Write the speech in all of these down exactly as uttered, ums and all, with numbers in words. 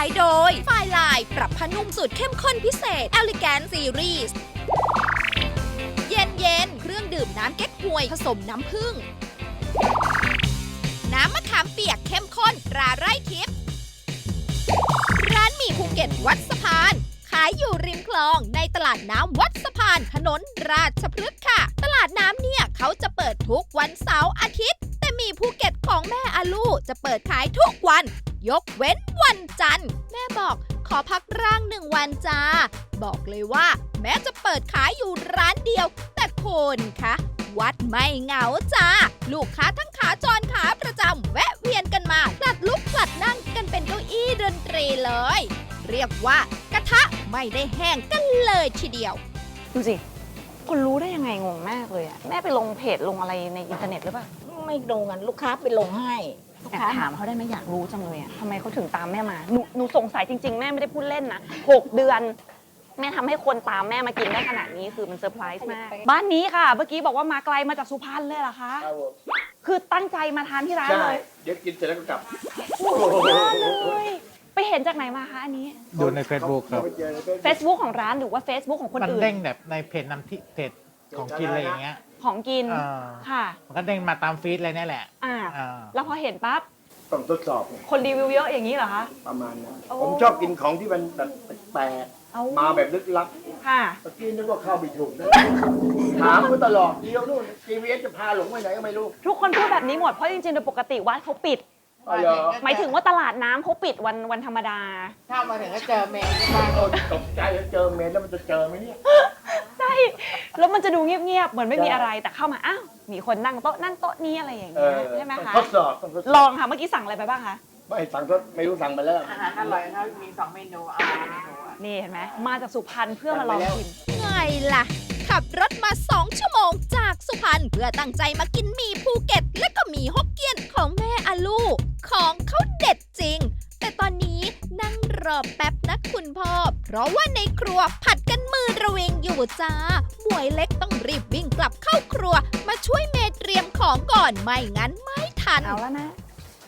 น์โดยไฟลายปรับผ้านุ่มสูตรเข้มข้นพิเศษ Elegant Series เย็นเย็นเครื่องดื่มน้ำเก๊กฮวยผสมน้ำผึ้งน้ำมะขามเปียกเข้มข้นตราไร่ทิพย์ร้านหมี่ภูเก็ตวัดสะพานขายอยู่ริมคลองในตลาดน้ำวัดสะพานถนนราชพฤกษ์ค่ะตลาดน้ำเนี่ยเขาจะเปิดทุกวันเสาร์อาทิตย์แต่หมี่ภูเก็ตของแม่อาลูจะเปิดขายทุกวันยกเว้นวันจันทร์แม่บอกขอพักร่างหนึ่งวันจ้าบอกเลยว่าแม้จะเปิดขายอยู่ร้านเดียวแต่คนคะวัดไม่เหงาจ้าลูกค้าทั้งขาจรขาประจำแวะเวียนกันมาผลัดลุกผลัดนั่งกันเป็นเก้าอี้ดนตรีเลยเรียกว่ากระทะไม่ได้แห้งกันเลยทีเดียวดูสิคนรู้ได้ยังไงงงมากเลยอะแม่ไปลงเพจลงอะไรในอินเทอร์เน็ตหรือเปล่าไม่ลงกันลูกค้าไปลงให้แอบถามเขาได้ไหมอยากรู้จังเลยอะทำไมเขาถึงตามแม่มาหนูหนูสงสัยจริงๆแม่ไม่ได้พูดเล่นนะหกเดือนแม่ทำให้คนตามแม่มากินได้ขนาดนี้คือมันเซอร์ไพรส์มากบ้านนี้ค่ะเมื่อกี้บอกว่ามาไกลมาจากสุพรรณเลยเหรอคะคือตั้งใจมาทานที่ร้านเลยเดี๋ยวกินเสร็จแล้วก็กลับโอ้โหเลยไปเห็นจากไหนมาคะอันนี้ดูใน Facebook ครับ Facebook ของร้านหรือว่า Facebook ของคนอื่นมันเด้งแบบในเพจน้ำที่เพจของกินอะไรอย่างเงี้ยของกินค่ะมันก็เด้งมาตามฟีดเลยนี่แหละอ่าแล้วพอเห็นปั๊บต้องทดสอบคนรีวิวเยอะอย่างนี้เหรอคะประมาณนั้นผมชอบกินของที่มันแบบแปลกมาแบบลึกลับค่ะเมื่อกี้นึกว่าเข้าไม่ถูกนะถามเขาตลอดเดียวนู่น จี พี เอส จะพาหลงไปไหนก็ไม่รู้ทุกคนพูดแบบนี้หมดเพราะจริงๆโดยปกติวัดเขาปิดหมายถึงว่าตลาดน้ำเขาปิดวันวันธรรมดาถ้ามาถึงก็เจอเมนบ้านตกใจเจอเมนแล้วมันจะเจอไหมเนี่ยใช่แล้วมันจะดูเงียบๆเหมือนไม่มีอะไรแต่เข้ามาอ้าวมีคนนั่งโต๊ะนั่นโต๊ะนี้อะไรอย่างเงี้ยใช่ไหมคะทดสอบลองค่ะเมื่อกี้สั่งอะไรไปบ้างคะไม่สั่งก็ไม่รู้สั่งไปแล้วอาหารอร่อยเขามีสองเมนูเอาเมนูนี่เห็นไหมมาจากสุพรรณเพื่อมาลองกินไงล่ะขับรถมาสองชั่วโมงจากสุพรรณเพื่อตั้งใจมากินหมี่ภูเก็ตและก็หมี่ฮกเกี้ยนของแม่อาลูของเขาเด็ดจริงแต่ตอนนี้นั่งรอแป๊บนะคุณพ่อเพราะว่าในครัวผัดกันมือระเวงอยู่จ้าหมวยเล็กต้องรีบวิ่งกลับเข้าครัวมาช่วยเมย์เตรียมของก่อนไม่งั้นไม่ทันเอาแล้วนะ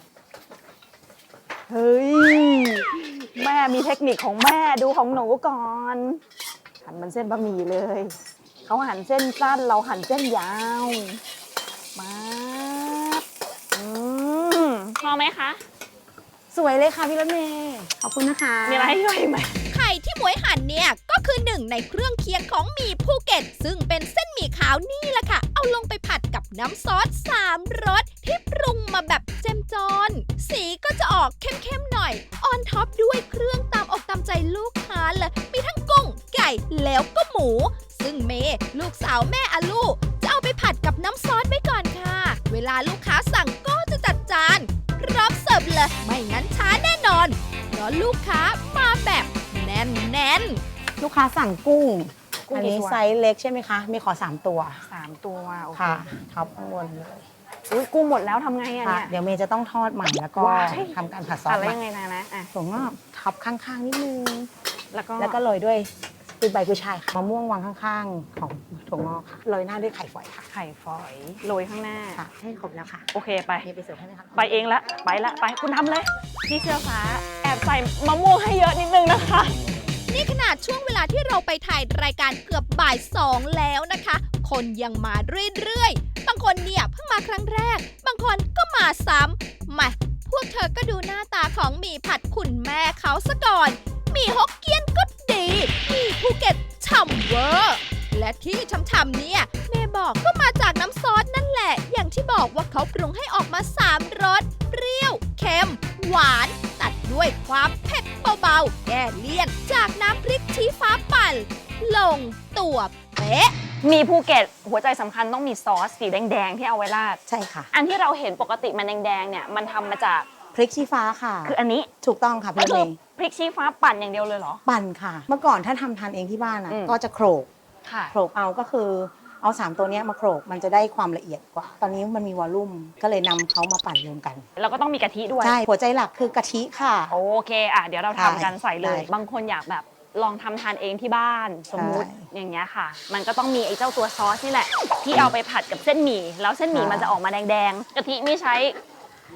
เฮ้ยแม่มีเทคนิคของแม่ดูของหนูก่อนหั่นมันเส้นบะหมี่เลยเขาหั่นเส้นสั้นเราหั่นเส้นยาวมาอืมพอไหมคะสวยเลยค่ะพี่รถเมย์ขอบคุณนะคะมีอะไรให้ช่วยไหมไข่ที่หมวยหั่นเนี่ยก็คือหนึ่งในเครื่องเคียงของหมี่ภูเก็ตซึ่งเป็นเส้นหมี่ขาวนี่แหละค่ะเอาลงไปผัดกับน้ำซอสสามรสที่ปรุงมาแบบเจ้มจนสีก็จะออกเข้มๆหน่อยออนท็อปด้วยเครื่องตามอกตามใจลูกค้าเลยมีทั้งกุ้งไก่แล้วก็หมูซึ่งเมย์ลูกสาวแม่อาลูจะเอาไปผัดกับน้ำซอสไว้ก่อนค่ะเวลาลูกค้าสั่งก็จะจัดจานพร้อมเสิร์ฟเลยไม่งั้นช้าแน่นอนเพราะลูกค้ามาแบบแน่นแน่นลูกค้าสั่งกุ้งอันนี้ไซส์เล็กใช่ไหมคะมีขอสามตัวสามตัวโอเคค่ะท็อปข้างบนเลยอุ้ยกุ้งหมดแล้วทำไงอ่ะเนี่ยเดี๋ยวเมย์จะต้องทอดใหม่แล้วก็ทำการผัดซอสอะไรยังไงนะนะอ่ะถั่วงอกท็อปข้างๆนิดนึงแล้วก็แล้วก็โรยด้วยคือใบกุยช่ายค่ะมะม่วงวางข้างๆของถั่วงอกค่ะโรยหน้าด้วยไข่ฝอยค่ะไข่ฝอยโรยข้างหน้าค่ะให้ครบแล้วค่ะโอเคไปไปเสิร์ฟให้ไหมคะไปเองละไปละไปคุณทำเลยพี่เสื้อฟ้าแอบใส่มะม่วงให้เยอะนิดนึงนะคะนี่ขนาดช่วงเวลาที่เราไปถ่ายรายการเกือบบ่ายสองแล้วนะคะคนยังมาเรื่อยๆบางคนเนี่ยเพิ่งมาครั้งแรกบางคนก็มาซ้ำมาพวกเธอก็ดูหน้าตาของหมี่ผัดคุณแม่เขาซะก่อนหมี่ฮกเกี้ยนก็ดีหมี่ภูเก็ตฉ่ำเวอร์และที่ฉ่ำๆเนี่ยแม่บอกก็มาจากน้ำซอสนั่นแหละอย่างที่บอกว่าเขาปรุงให้ออกมาสามรสเปรี้ยวเค็มหวานตัดด้วยความเผ็ดเบาๆแก้เลี่ยนจากน้ำพริกชี้ฟ้าปั่นลงตัวเป๊ะมีภูเก็ตหัวใจสำคัญต้องมีซอสสีแดงๆที่เอาไว้ราดใช่ค่ะอันที่เราเห็นปกติมันแดงๆเนี่ยมันทำมาจากพริกชี้ฟ้าค่ะคืออันนี้ถูกต้องค่ะพี่เมย์พริกชี้ฟ้าปั่นอย่างเดียวเลยเหรอปั่นค่ะเมื่อก่อนถ้าทำทานเองที่บ้านอ่ะก็จะโขลกโขลกเอาก็คือเอาสามตัวนี้มาโขลกมันจะได้ความละเอียดกว่าตอนนี้มันมีวอลลุ่มก็เลยนำเขามาปั่นรวมกันแล้วก็ต้องมีกะทิด้วยใช่หัวใจหลักคือกะทิค่ะโอเคอ่ะเดี๋ยวเราทำกันใส่เลยบางคนอยากแบบลองทำทานเองที่บ้านสมมุติอย่างเงี้ยค่ะมันก็ต้องมีไอ้เจ้าตัวซอสนี่แหละที่เอาไปผัดกับเส้นหมี่แล้วเส้นหมี่มันจะออกมาแดงๆกะทิไม่ใช้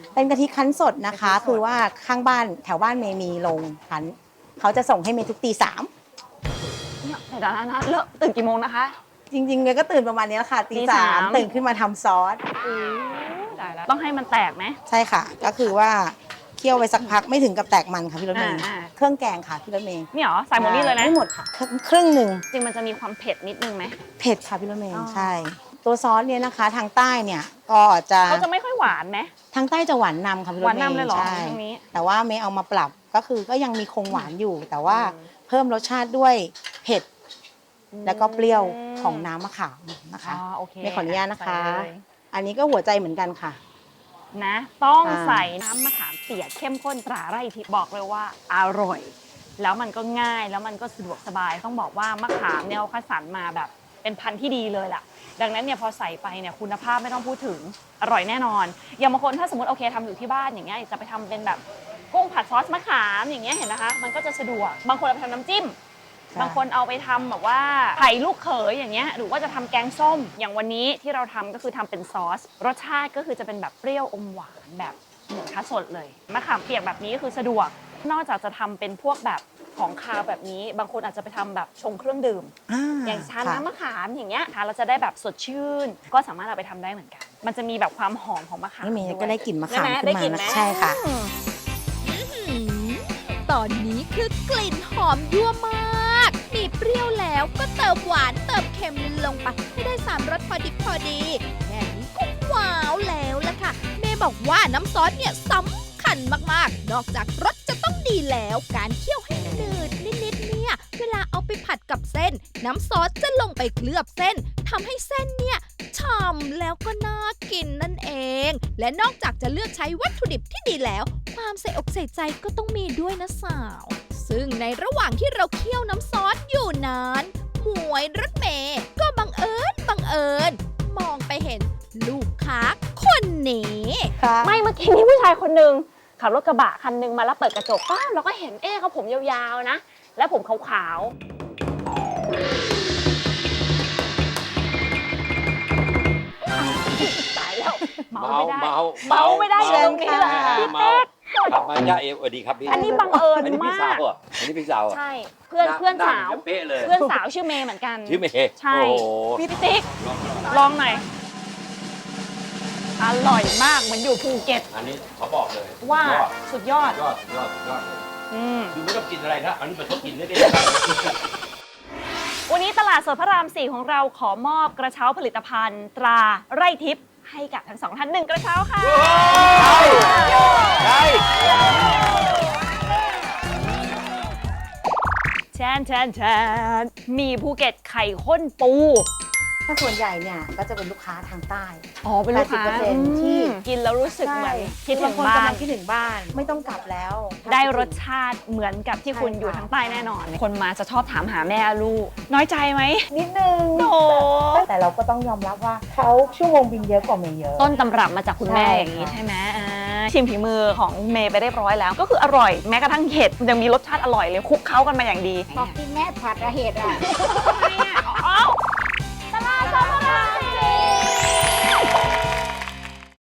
เป็นกะทิคั้นสดนะคะ คือว่าข้างบ้านแถวบ้านเมย์มีโรงคั้นเขาจะส่งให้เมย์ทุกตีสามเนี่ยเดี๋ยวนะนะเลิกตื่นกี่โมงนะคะจริงๆเมย์ก็ตื่นประมาณนี้แหละค่ะตีตีสาสามมตื่นขึ้นมาทำซอสได้แล้วต้องให้มันแตกไหมใช่ค่ะ ก็คือว่าเคี่ยวไว้สักพักไม่ถึงกับแตกมันค่ะพี่รถเมย์อ่าเครื่องแกงค่ะพี่รถเมย์นี่เหรอใส่หมดนี่เลยนะไม่หมดค่ะครึ่งหนึ่งจริงมันจะมีความเผ็ดนิดนึงไหมเผ็ดค่ะพี่รถเมย์อ๋อใช่ ตัวซอสเนี่ยนะคะทางใต้เนี่ยก็จะเขาจะไม่ค่อยหวานไหมทางใต้จะหวานนำค่ะพี่รถเมย์หวานนำเลยเหรอใช่ทางนี้แต่ว่าเมย์เอามาปรับก็คือก็ยังมีคงหวานอยู่ แต่ว่าอืมเพิ่มรสชาติด้วยเผ็ดแล้วก็เปรี้ยวของน้ำมะขามนะคะอ๋อโอเคเมย์ขออนุญาตนะคะใส่เลยอันนี้ก็หัวใจเหมือนกันค่ะนะ ต้องอ่าใส่น้ำมะขามเปียกเข้มข้นตราไร่ทิพย์บอกเลยว่าอร่อย แล้วมันก็ง่ายแล้วมันก็สะดวกสบายต้องบอกว่ามะขามเนี่ยเขาคัดสรรมาแบบเป็นพันธุ์ที่ดีเลยล่ะ ดังนั้นเนี่ยพอใส่ไปเนี่ยคุณภาพไม่ต้องพูดถึงอร่อยแน่นอน อย่างบางคนถ้าสมมติโอเคทำอยู่ที่บ้านอย่างเงี้ยจะไปทำเป็นแบบกุ้งผัดซอสมะขามอย่างเงี้ยเห็นนะคะ มันก็จะสะดวกบางคนเอาไปทำน้ำจิ้มใช่บางคนเอาไปทำแบบว่าไข่ลูกเขยอย่างเงี้ยหรือว่าจะทำแกงส้ม อย่างวันนี้ที่เราทำก็คือทำเป็นซอส รสชาติก็คือจะเป็นแบบเปรี้ยวอมหวานแบบเหมือนคัสสดเลยมะขามเปียกแบบนี้คือสะดวก นอกจากจะทำเป็นพวกแบบของคาวแบบนี้ บางคนอาจจะไปทำแบบชงเครื่องดื่ม อย่างชาค่ะน้ำมะขามอย่างเงี้ยทานเราจะได้แบบสดชื่น ก็สามารถเอาไปทำได้เหมือนกัน มันจะมีแบบความหอมของมะขามนี่เมย์ด้วยก็ได้กลิ่นมะขามใช่ไหขึ้นได้มากลิ่นนะไหมใช่ค่ะอืมหืมตอนนี้คือกลิ่นหอมยั่วมาก มีเปรี้ยวแล้วก็เติมหวานเติมเค็มลงไปให้ได้สามรสพอดีพอดีแค่นี้ก็ว้าวแล้วล่ะค่ะ เมย์บอกว่าน้ำซอสเนี่ยสำคัญมากๆ นอกจากรสจะต้องดีแล้วการเคี่ยวให้หนืดนิดๆเนี่ยเวลาเอาไปผัดกับเส้น น้ำซอสจะลงไปเคลือบเส้นทำให้เส้นเนี่ยฉ่ำแล้วก็น่ากินนั่นเอง และนอกจากจะเลือกใช้วัตถุดิบที่ดีแล้ว ความใส่อกใส่ใจก็ต้องมีด้วยนะสาว ซึ่งในระหว่างที่เราเคี่ยวน้ำซอสอยู่นานหมวยรถเมย์ก็บังเอิญบังเอิญ มองไปเห็นลูกค้าคนนี้ไม่เมื่อกี้มีผู้ชายคนหนึ่งขับรถกระบะคันหนึงมาแล้วเปิดกระจกป้าเราก็เห็นเอ๊ะเขาผมยาวๆนะ แล้วผมขาวๆตายแล้วเมาไม่ได้เมาเมาไม่ได้อยู่ตรงนี้แหละพี่เมาเต๊กครับมาย่าเอฟสวัสดีครับพี่อันนี้บังเอิญอันนี้พี่มาสาก วเหรอ่ะอันนี้พี่สาวเหรอ่ะใช่เพื่อนเพื่อนสาวเป๊ะเลยเพื่อนสาวชื่อเมย์เหมือนกันชื่อเมย์ใช่โอ้โหพี่ติ๊กลองหน่อยอร่อยมากเหมือนอยู่ภูเก็ตอันนี้เขาบอกเลยว่ายอดสุดยอดยอดยอดยอดอืมคือไม่ต้องกินอะไรนะอันนี้เป็นต้องกินได้เลยวันนี้ตลาดสดพระรามสี่ของเราขอมอบกระเช้าผลิตภัณฑ์ ตราไร่ทิพย์ให้กับทั้งสองท่านหนึ่งกระเช้าค่ะใช่แชนแชนแชนมีภูเก็ตไข่ข้นปูถ้าส่วนใหญ่เนี่ยก็จะเป็นลูกค้าทางใต้อ๋อเป็นลูกค้าแปดสิบเปอร์เซ็นต์ที่กินแล้วรู้สึกเหมือนคิดถึบางงคนบ้ากำลันงคิดถึงบ้าน ไม่ต้องกลับแล้วได้รสชาติเหมือนกับที่คุณใช่ค่ะอยู่ทางใต้แน่นอน คนมาจะชอบถามหาแม่ลูก น้อยใจไหมนิดนึงโถแต่เราก็ต้องยอมรับว่าเขาชั่วโมงบินเยอะกว่าเมย์เยอะต้นตำรับมาจากคุณแม่ใช่อย่างนี้ค่ะใช่ไหมอ่าชิมฝีมือของเมย์ไปเรียบร้อยแล้ว ก็คืออร่อยแม้กระทั่งเห็ดยังมีรสชาติอร่อยเลยคลุกเคล้ากันมาอย่างดีบอกที่แม่ผัดอะเห็ดอะทำไมอะ